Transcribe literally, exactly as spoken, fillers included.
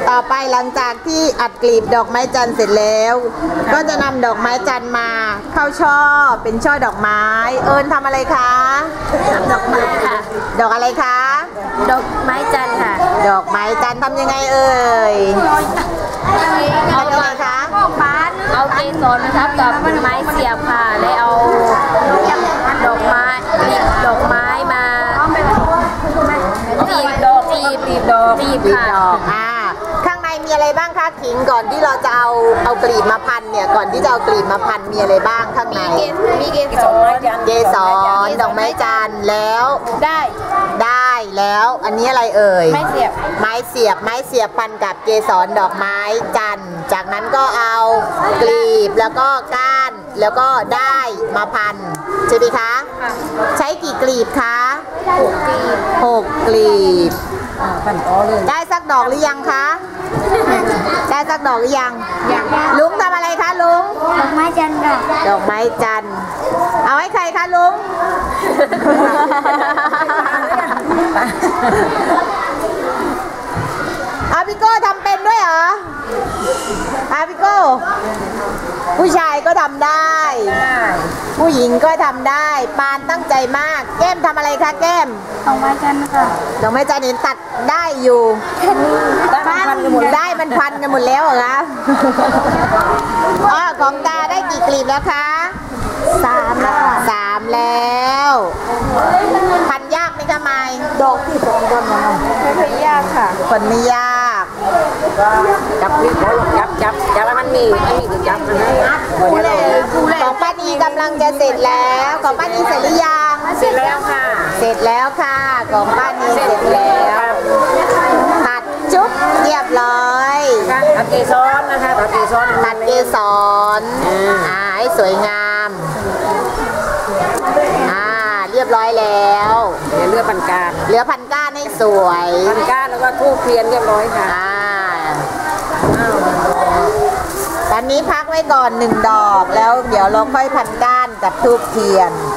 ต่อไปหลังจากที่อัดกลีบดอกไม้จันทร์เสร็จแล้วก็จะนำดอกไม้จันทร์มาเข้าช่อเป็นช่อดอกไม้เอิญทำอะไรคะดอกไม้ค่ะดอกอะไรคะดอกไม้จันทร์ค่ะดอกไม้จันทร์ทำยังไงเอ่ยเอายังไงคะเอาเกสรนะครับกับไม้เสียบค่ะแล้วเอาดอกไม้ดอกไม้มาตีบดอกตีบตีบดอกตีบค่ะอ่าข้างในมีอะไรบ้างคะขิงก่อนที่เราจะเอาเอากลีบมาพันเนี่ยก่อนที่จะเอากลีบมาพันมีอะไรบ้างข้างในมีเกสรเกสรดอกไม้จันทร์แล้วได้ได้แล้วอันนี้อะไรเอ่ยไม้เสียบไม้เสียบไม้เสียบพันกับเกสรดอกไม้จันทร์จากนั้นก็เอากลีบแล้วก็ก้านแล้วก็ได้มาพันใช่ไหมคะใช้กี่กลีบคะหกกลีบหกกลีบได้สักดอกหรือยังคะได้สักดอกหรือยังลุงทำอะไรคะลุงดอกไม้จันทร์ดอกไม้จันทร์เอาให้ใครคะลุงอาพี่โก้ทำเป็นด้วยเหรออาพี่โก้ผู้ชายก็ทำได้ผู้หญิงก็ทำได้ปานตั้งใจมากแก้มทำอะไรคะแก้มดอกไม้จันทร์ค่ะดอกไม้จันทร์เห็นตัดได้อยู่ได้มันพันกันหมดแล้วเหรอคะอ๋อของตาได้กี่กลีบแล้วคะสามแล้วสามแล้วพันยากไหมคะไม้ดอกที่สองคนนะไม่ค่อยยากค่ะคนไม่ยากจับนี่ขอลองจับจับจับมันมีไม่มีคือจับมันนะของป้านีกำลังจะเสร็จแล้วของป้านีเสร็จหรือยังเสร็จแล้วค่ะเสร็จแล้วค่ะของป้านีเสร็จแล้วตัดจุ๊บเรียบร้อยตัดเกสรนะคะตัดเกสรตัดเกสรอ่าให้สวยงามอ่าเรียบร้อยแล้วเหลือเลือพันก้านเหลือพันก้านให้สวยพันก้านแล้วก็ทูบเทียนเรียบร้อยค่ะอ่าตอนนี้พักไว้ก่อนหนึ่งดอกแล้วเดี๋ยวเราค่อยพันก้านกับทูบเทียน